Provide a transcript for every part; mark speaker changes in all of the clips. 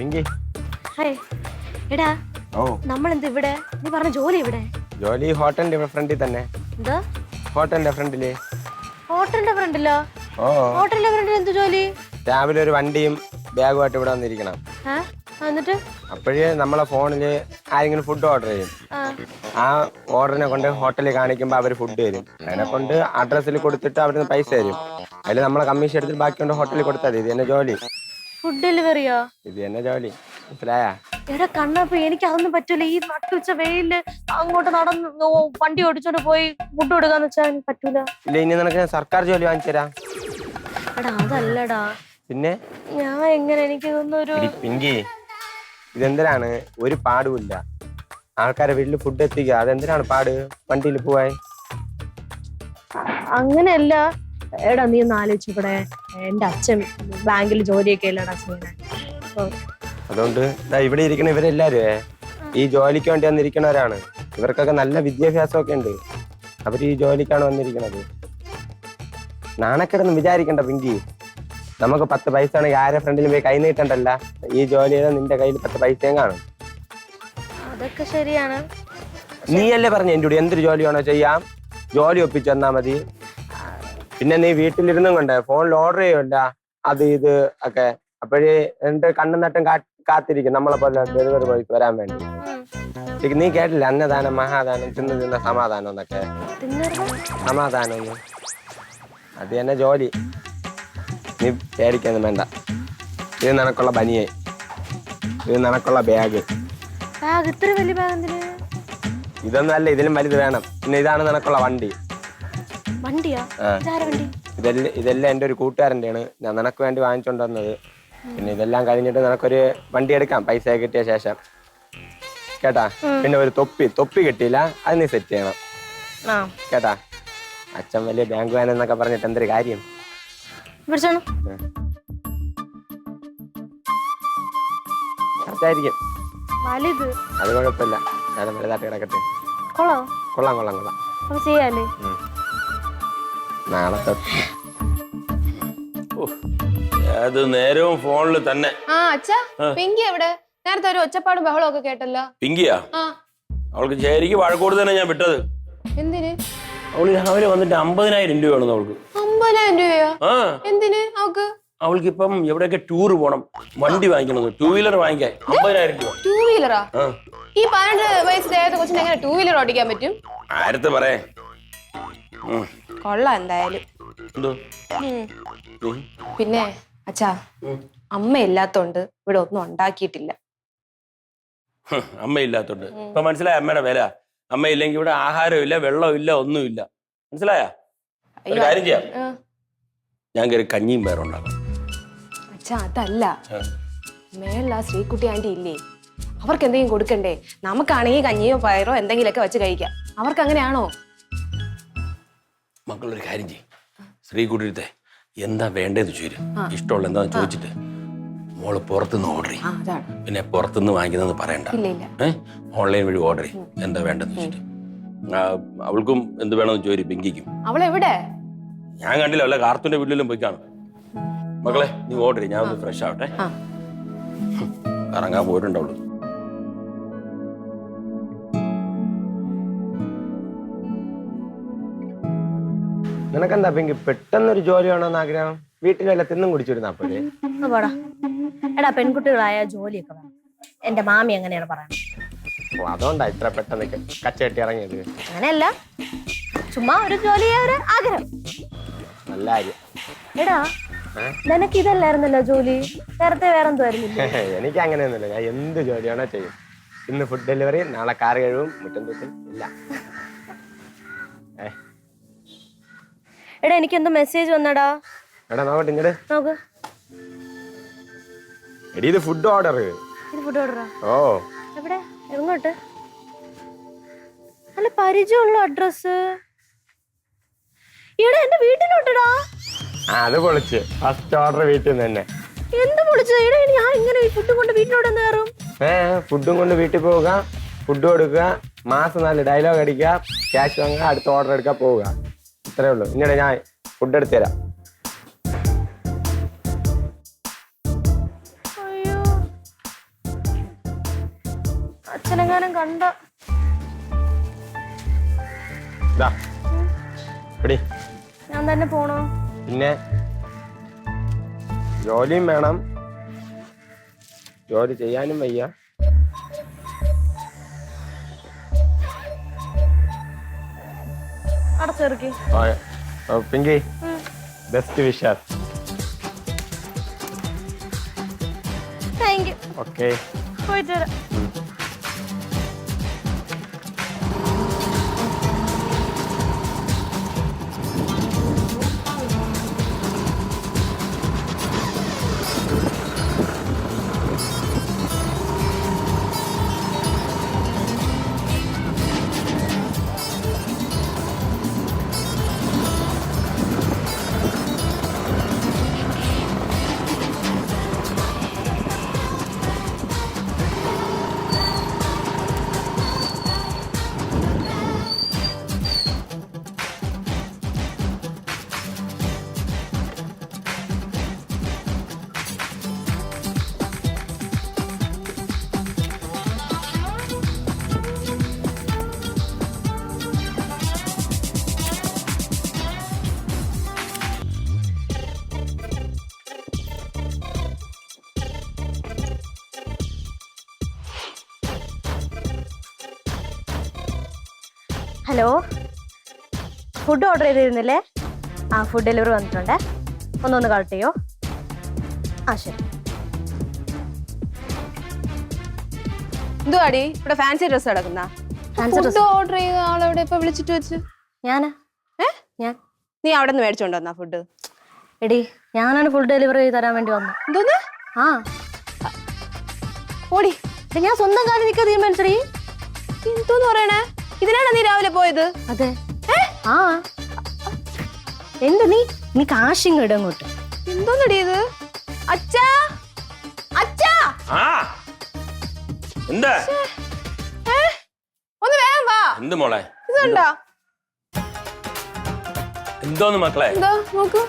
Speaker 1: Hi എടാ നമ്മളെന്ത് ഇവിടെ നീ പറഞ്ഞ ജോലി ഇവിടെ
Speaker 2: ജോലി ഹോട്ടലിന്റെ ഫ്രണ്ടിൽ തന്നെ
Speaker 1: എന്താ
Speaker 2: ഹോട്ടലിന്റെ ഫ്രണ്ടില്
Speaker 1: ഹോട്ടലിന്റെ ഫ്രണ്ടിലോ ഹോട്ടലിന്റെ ഫ്രണ്ടിൽ എന്ത് ജോലി
Speaker 2: രാവിലെ ഒരു വണ്ടിയും ബാഗുമായിട്ട് ഇവിടെ വന്നിരിക്കണം
Speaker 1: എന്നിട്ട്
Speaker 2: അപ്പോഴേ നമ്മളെ ഫോണില് ആരെങ്കിലും ഫുഡ് ഓർഡർ ചെയ്യും ആ ഓർഡറിനെ കൊണ്ട് ഹോട്ടലിൽ കാണിക്കുമ്പോൾ അവർ ഫുഡ് തരും അതിനെ കൊണ്ട് അഡ്രസ്സിൽ കൊടുത്തിട്ട് അവിടുന്ന് പൈസ തരും അതിൽ നമ്മളെ കമ്മീഷൻ എടുത്തിട്ട് ബാക്കിയുണ്ട് ഹോട്ടലിൽ കൊടുത്താൽ ഇത് തന്നെ ജോലി
Speaker 1: ഫുഡ് ഡെലിവറിയോ
Speaker 2: ഇത് തന്നെ ജോലി മനസ്സിലായാ
Speaker 1: എടാ കണ്ണപ്പ എനിക്ക് അതൊന്നും പറ്റൂല ഈ നട്ടുച്ച വെയില് അങ്ങോട്ട് നടന്ന് വണ്ടി ഓടിച്ചോണ്ട് പോയി ഫുഡ് കൊടുക്കാന്ന് വെച്ചാൽ പറ്റൂല
Speaker 2: ഇല്ല ഇനി നിനക്ക് സർക്കാർ ജോലി വാങ്ങിച്ചു തരാം
Speaker 1: എടാ അതല്ലടാ
Speaker 2: പിന്നെ
Speaker 1: ഞാൻ എങ്ങനെ എനിക്ക് ഇതൊന്നൊരു
Speaker 2: പിങ്കി ഇതെന്തിനാണ് ഒരു പാടുമില്ല ആൾക്കാരെ വീട്ടിൽ ഫുഡ് എത്തിക്കുക അതെന്തിനാണ് പാട് വണ്ടിയിൽ പോവാൻ
Speaker 1: അങ്ങനെയല്ല എടാ നീ ഒന്ന് ആലോചിച്ചൂടെ എന്റെ അച്ഛൻ ബാങ്കിൽ ജോലിയൊക്കെ അല്ലടാ ചെയ്യണേ
Speaker 2: അതുകൊണ്ട് ഇവിടെ ഇരിക്കണ ഇവരെല്ലാരും ഈ ജോലിക്ക് വേണ്ടി വന്നിരിക്കണവരാണ് ഇവർക്കൊക്കെ നല്ല വിദ്യാഭ്യാസമൊക്കെ ഉണ്ട് അവർ ഈ ജോലിക്കാണ് വന്നിരിക്കുന്നത് നാണക്കേടൊന്നും വിചാരിക്കണ്ട പിങ്കി നമുക്ക് 10 പൈസ ആണെങ്കിൽ ആരെ ഫ്രണ്ടിലും പോയി കൈ നീട്ടണ്ടല്ല ഈ ജോലി ചെയ്താൽ നിന്റെ കയ്യിൽ 10 പൈസയും കാണും
Speaker 1: അതൊക്കെ ശരിയാണ്
Speaker 2: നീയല്ലേ പറഞ്ഞു എൻ്റെ കൂടെ എന്തൊരു ജോലി വേണോ ചെയ്യാം ജോലി ഒപ്പിച്ചു തന്നാ മതി പിന്നെ നീ വീട്ടിലിരുന്നും കൊണ്ട് ഫോണിൽ ഓർഡർ ചെയ്യുമല്ല അത് ഇത് ഒക്കെ അപ്പോഴേ എന്റെ കണ്ണും നട്ടും കാത്തിരിക്കും നമ്മളെ പോലെ ഡെലിവറി ബോയ്ക്ക് വരാൻ വേണ്ടി നീ കേട്ടില്ല അന്നദാനം മഹാദാനം തിന്ന സമാധാനം എന്നൊക്കെ സമാധാനം ഒന്നും അത് തന്നെ ജോലി നീ പേടിക്കൊന്നും വേണ്ട ഇത് നിനക്കുള്ള ബനിയെ ഇത് നിനക്കുള്ള ബാഗ്
Speaker 1: ഇത്ര വലിയ ബാഗ്
Speaker 2: ഇതൊന്നും അല്ല ഇതിലും വലുത് വേണം പിന്നെ ഇതാണ് നിനക്കുള്ള വണ്ടി ഇതെല്ലാം എൻ്റെ ഒരു കൂട്ടുകാരൻ്റെയാണ് ഞാൻ നിനക്ക് വേണ്ടി വാങ്ങിച്ചോണ്ട് വന്നത് പിന്നെ ഇതെല്ലാം കഴിഞ്ഞിട്ട് നിനക്കൊരു വണ്ടി എടുക്കാം പൈസ കിട്ടിയ ശേഷം കേട്ടാ പിന്നെ ഒരു തൊപ്പി കിട്ടിയില്ല അത് നീ സെറ്റ് ചെയ്യണം കേട്ടാ അച്ഛൻ വലിയ ബാങ്ക് വാൻ എന്നൊക്കെ പറഞ്ഞിട്ട് എന്തൊരു കാര്യം കറക്റ്റായിരിക്കും അത് കുഴപ്പമില്ല ഞാൻ വലുതായിട്ട് കിടക്കട്ടെ കൊള്ളാം
Speaker 1: ചെയ്യാലേ
Speaker 2: നാളെ
Speaker 3: അത് നേരവും ഫോണിൽ തന്നെ
Speaker 4: അച്ഛാ പിങ്കി എവിടെ നേരത്തെ ഒരു ഒച്ചപ്പാടും ബഹളവും ഒക്കെ കേട്ടല്ലോ
Speaker 3: പിങ്കിയാ അവൾക്ക് ശരിക്ക് വഴക്കോട് തന്നെ ഞാൻ വിട്ടത്
Speaker 4: എന്തിന്
Speaker 3: അവള് രാവിലെ വന്നിട്ട് 50,000 രൂപ വേണം അവൾക്ക്
Speaker 4: 50,000 രൂപയോ എന്തിന് അവക്ക്
Speaker 3: അവൾക്ക് ഇപ്പം എവിടെയൊക്കെ ടൂർ പോണം വണ്ടി വാങ്ങിക്കണം 2 വീലർ വാങ്ങിക്കാൻ 50,000 രൂപ
Speaker 4: 2 വീലറാ ഈ 12 വയസ്സ് ദേഹത്തെ കൊച്ചിന് എങ്ങനെ 2 വീലർ ഓടിക്കാൻ പറ്റും
Speaker 3: ആരത്തെ പറയേ
Speaker 4: കൊള്ളാം എന്തായാലും പിന്നെ അച്ഛാ അമ്മ ഇല്ലാത്തോണ്ട് ഇവിടെ ഒന്നും ഉണ്ടാക്കിയിട്ടില്ല
Speaker 3: അമ്മ ഇല്ലാത്തോണ്ട് ഇപ്പൊ മനസ്സിലായ അമ്മയുടെ വില അമ്മ ഇല്ലെങ്കിൽ ഇവിടെ ആഹാരമില്ല വെള്ളമില്ല ഒന്നുമില്ല മനസ്സിലായ കാര്യം ചെയ്യാം ഞാൻ കയറി കഞ്ഞിയും പേരുണ്ടാക്കാം
Speaker 4: അച്ഛാ അതല്ല മേളിൽ ആ ശ്രീകുട്ടി ആന്റി ഇല്ലേ അവർക്ക് എന്തെങ്കിലും കൊടുക്കണ്ടേ നമുക്കാണെങ്കിൽ കഞ്ഞിയോ പയറോ എന്തെങ്കിലുമൊക്കെ വെച്ച് കഴിക്കാം അവർക്ക് അങ്ങനെയാണോ
Speaker 3: മക്കളൊരു കാര്യം ചെയ്യും ശ്രീകുട്ടിയുടെ എന്താ വേണ്ടതെന്ന് ചോദിച്ചു ഇഷ്ടമുള്ള എന്താന്ന് ചോദിച്ചിട്ട് മോള് പുറത്തുനിന്ന് ഓർഡർ ചെയ്യും പിന്നെ പുറത്തുനിന്ന് വാങ്ങിക്കുന്നതെന്ന് പറയണ്ട ഓൺലൈൻ വഴി ഓർഡർ ചെയ്യും എന്താ വേണ്ടെന്ന് ചോദിച്ചിട്ട് അവൾക്കും എന്ത് വേണമെന്ന് ചോദിച്ചു പിങ്കിക്കും
Speaker 4: അവളെവിടെ
Speaker 3: ഞാൻ കണ്ടില്ല വല്ല കാർത്തൂന്റെ വീട്ടിലും പോയി കാണും മക്കളെ നീ ഓർഡർ ചെയ്യും ഞാൻ ഒന്ന് ഫ്രഷ് ആവട്ടെ കറങ്ങാൻ പോയിട്ടുണ്ടാവുള്ളൂ
Speaker 2: നിനക്കെന്താ പിങ്കി പെട്ടെന്നൊരു ജോലി വേണമെന്ന് ആഗ്രഹം വീട്ടിലെല്ലാം തിന്നും കുടിച്ചിരുന്ന അപ്പോഴേ
Speaker 1: എടാ പെൺകുട്ടികളായ ജോലിയൊക്കെ വേണം എന്റെ മാമി എങ്ങനെയാണ് പറയുന്നത്
Speaker 2: അതുകൊണ്ടാ ഇത്ര പെട്ടെന്ന് കച്ചകെട്ടി ഇറങ്ങിയത്
Speaker 1: അങ്ങനെയല്ല ചുമ്മാ ഒരു ജോലി ഒരു ആഗ്രഹം
Speaker 2: നല്ല കാര്യം
Speaker 1: എടാ നിനക്ക് ഇതല്ലായിരുന്നല്ലോ ജോലി നേരത്തെ വേറെന്തോ ആയിരുന്നില്ല
Speaker 2: എനിക്ക് അങ്ങനെയൊന്നുമില്ല ഞാൻ എന്ത് ജോലിയാണോ ചെയ്യും ഇന്ന് ഫുഡ് ഡെലിവറി നാളെ കാർ കഴിവും മുറ്റം തൂക്കും ഇല്ല
Speaker 1: എടാ എനിക്ക് എന്തോ മെസ്സേജ് വന്നടാ
Speaker 2: എടാ നോക്കട്ടെ ഇങ്ങട്
Speaker 1: നോക്ക്
Speaker 2: എടി ഇത് ഫുഡ് ഓർഡർ ഓ
Speaker 1: എവിടെ എങ്ങോട്ട് നല്ല പരിചയമുള്ള അഡ്രസ് ഇവിടെ എന്റെ വീട്ടിലോട്ടടാ
Speaker 2: അത് പൊളിച്ച് ഫസ്റ്റ് ഓർഡർ വീട്ടിൽ നിന്ന് തന്നെ
Speaker 1: എന്ത് പൊളിച്ചു ഇവിടെ ഞാൻ ഇങ്ങനെ ഫുഡും കൊണ്ട് വീട്ടിലോട്ട് എന്ന് കയറും
Speaker 2: ഫുഡും കൊണ്ട് വീട്ടിൽ പോവുക ഫുഡ് കൊടുക്കുക മാസം 4 ഡയലോഗ് അടിക്കുക ക്യാഷ് വാങ്ങുക അടുത്ത ഓർഡർ എടുക്കുക പോവുക ഇത്രേ ഉള്ളൂ ഇന്നീടെ ഞാൻ ഫുഡ് എടുത്തു തരാം
Speaker 1: അച്ഛനെങ്ങാനും കണ്ട
Speaker 2: എടി
Speaker 1: ഞാൻ തന്നെ പോണോ?
Speaker 2: പിന്നെ ജോലിയും വേണം, ജോലി ചെയ്യാനും വയ്യ.
Speaker 1: അടച്ചിറക്കി.
Speaker 2: Pinky best wishes.
Speaker 1: Thank you.
Speaker 2: Okay
Speaker 1: പോയിട്ട് വരാം. ഹലോ, ഫുഡ് ഓർഡർ ചെയ്തിരുന്നില്ലേ? ആ, ഫുഡ് ഡെലിവറി വന്നിട്ടുണ്ട്. ഒന്ന് കളക്ട് ചെയ്യോ? ആ ശരി.
Speaker 4: എന്തുവാടി ഇവിടെ ഫാൻസി ഡ്രസ് കിടക്കുന്ന? ഓർഡർ ചെയ്ത ആളെവിടെ ഇപ്പൊ വിളിച്ചിട്ട് വെച്ച്?
Speaker 1: ഞാനാ. ഞാൻ.
Speaker 4: നീ അവിടെ നിന്ന് മേടിച്ചോണ്ട് വന്നാ ഫുഡ്?
Speaker 1: എടി, ഞാനാണ് ഫുഡ് ഡെലിവറി ചെയ്ത് തരാൻ വേണ്ടി വന്നത്.
Speaker 4: എന്തോന്ന്?
Speaker 1: ആ
Speaker 4: ഓടി,
Speaker 1: ഞാൻ സ്വന്തം കാര്യം നിൽക്കാൻ തീരുമാനിച്ചടി.
Speaker 4: എന്തോന്ന് പറയണേ? ഇതിനാണ് നീ രാവിലെ പോയത്?
Speaker 1: അതെ. ആ എന്ത് നീ കാശിങ് ഇടും അങ്ങോട്ട്.
Speaker 4: എന്തോന്നടി ഇത്? അച്ഛാ, അച്ഛാ,
Speaker 3: എന്താ?
Speaker 4: ഒന്ന് വേഗം വാ.
Speaker 3: എന്ത് മോളെ?
Speaker 4: ഇത് കണ്ടോ?
Speaker 3: എന്തോന്ന് മക്കളെ?
Speaker 4: എന്താ നോക്കൂ.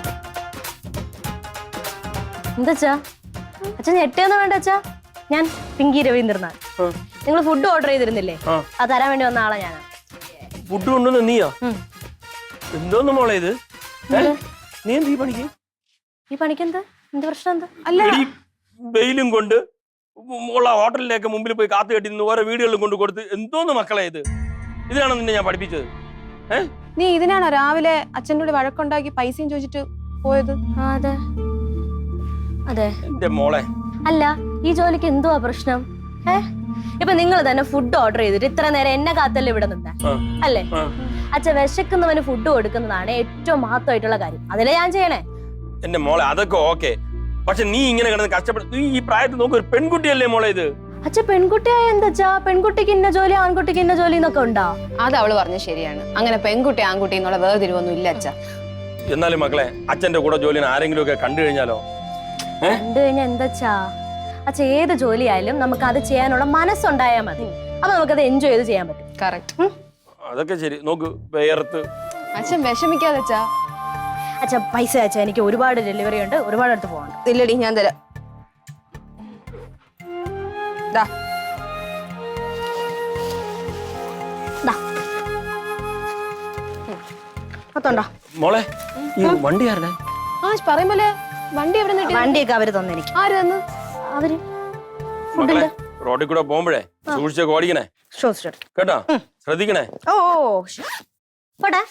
Speaker 1: എന്താ അച്ഛൻ ഞെട്ടിയൊന്നും വേണ്ട അച്ഛാ. ഞാൻ പിങ്കി രവീന്ദ്രനാഥ്. നിങ്ങൾ ഫുഡ് ഓർഡർ ചെയ്തിരുന്നില്ലേ? അത് തരാൻ വേണ്ടി വന്ന ആളാ ഞാനാ.
Speaker 3: ഫുഡ് കൊണ്ടുവന്ന് നീയോ? എന്തോന്ന് മോളെ ഇത്? നീ എന്ത് ഈ പണിക്ക്?
Speaker 1: ഈ പണിക്ക് എന്ത് പ്രശ്നം? എന്താ?
Speaker 4: അല്ല,
Speaker 3: വെയിലും കൊണ്ട് ഉള്ള ഹോട്ടലിലേക്ക് മുമ്പിൽ പോയി കാത്തു കെട്ടി നിന്ന് ഓരോ വീടുകളിലും കൊണ്ട് കൊടുത്ത് എന്തോന്ന് മക്കളെ ഇത്? ഇതിനാണോ നിന്നെ ഞാൻ പഠിപ്പിച്ചത്?
Speaker 4: നീ ഇതിനാണോ രാവിലെ അച്ഛൻ്റെ കൂടെ വഴക്കുണ്ടാക്കി പൈസയും ചോദിച്ചിട്ട് പോയത്?
Speaker 1: അതെ അതെ.
Speaker 3: എന്റെ മോളെ,
Speaker 1: അല്ല, ഈ ജോലിക്ക് എന്തുവാ പ്രശ്നം? ഇപ്പൊ നിങ്ങൾ തന്നെ ഫുഡ് ഓർഡർ ചെയ്തിട്ട് ഇത്ര നേരം എന്നെ കാത്തല്ലേ ഇവിടെ നിന്നേ അല്ലേ? അച്ഛൻ വിശക്കുന്നവന് ഫുഡ് കൊടുക്കുന്നതാണ് ഏറ്റവും മഹത്വമായിട്ടുള്ള കാര്യം. അതിലെ ഞാൻ ചെയ്യണേ.
Speaker 3: എന്റെ മോളെ അതൊക്കെ ഓക്കെ, പക്ഷെ നീ ഇങ്ങനെ കിടന്ന് കഷ്ടപ്പെടും. നീ ഈ പ്രായത്തിൽ നോക്ക്, ഒരു പെൺകുട്ടിയല്ലേ മോളെ ഇത്?
Speaker 1: അച്ഛൻ പെൺകുട്ടിയായ എന്താ? പെൺകുട്ടിക്ക് ഇന്ന ജോലി, ആൺകുട്ടിക്ക് ഇന്ന ജോലി എന്നൊക്കെ ഉണ്ടോ?
Speaker 4: അത് അവള് പറഞ്ഞ ശരിയാണ്. അങ്ങനെ പെൺകുട്ടി ആൺകുട്ടി എന്നുള്ള വേർതിരിവൊന്നും ഇല്ല അച്ഛ.
Speaker 3: എന്നാലും മക്കളെ, അച്ഛന്റെ കൂടെ ജോലിന് ആരെങ്കിലും ഒക്കെ കണ്ടു കഴിഞ്ഞാലോ?
Speaker 1: കണ്ടു കഴിഞ്ഞാൽ എന്താ? അച്ഛൻ ഏത് ജോലിയായാലും നമുക്ക് അത് ചെയ്യാനുള്ള മനസ്സുണ്ടായാൽ മതി. അപ്പൊ നമുക്കത് എൻജോയ് ചെയ്ത് ചെയ്യാൻ പറ്റും.
Speaker 4: കറക്റ്റ്.
Speaker 3: അതൊക്കെ ശരി. നോക്ക്, വേർത്ത്
Speaker 4: അച്ഛൻ വിഷമിക്കാതെ അച്ഛാ.
Speaker 1: അച്ഛാ പൈസ അച്ഛാ, എനിക്ക് ഒരുപാട് ഡെലിവറി ഉണ്ട്, ഒരുപാട് അടുത്ത് പോകണം.
Speaker 4: ഇല്ലടി, ഞാൻ തരാം. ദാ.
Speaker 1: അത്തോണ്ടോ
Speaker 3: മോളെ, ഈ വണ്ടി ആരുടെ?
Speaker 4: പറയും പോലെ വണ്ടി എവിടെ നിന്ന്?
Speaker 1: വണ്ടിയൊക്കെ അവര് തന്നെനിക്ക്.
Speaker 4: ആര് തന്നു?
Speaker 1: അവര്
Speaker 3: മക്കളെ, റോഡിൽ കൂടെ പോകുമ്പോഴേ സൂക്ഷിച്ചൊക്കെ ഓടിക്കണേ കേട്ടോ, ശ്രദ്ധിക്കണേ.
Speaker 1: ഓ പോട്ടെ.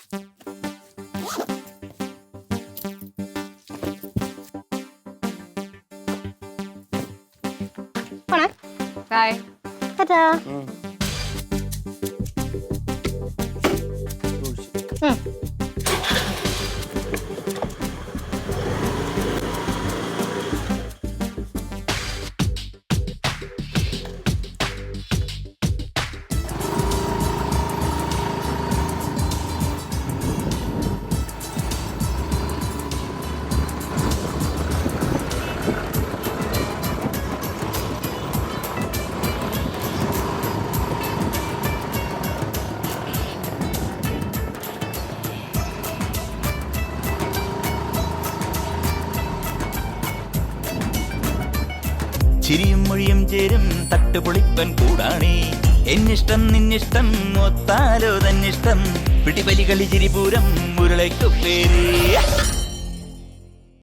Speaker 4: ഹായ്.
Speaker 1: ടാറ്റാ.
Speaker 5: ചിരിയും മൊഴിയും ചേരും തട്ടുപൊളിപ്പൻ കൂടാണേ. എന്നിഷ്ടം നിന്നിഷ്ടം ഒത്താലോ തന്നിഷ്ടം പിടിപലി കളി ചിരിപൂരം മുരളയ്ക്കു പേര്.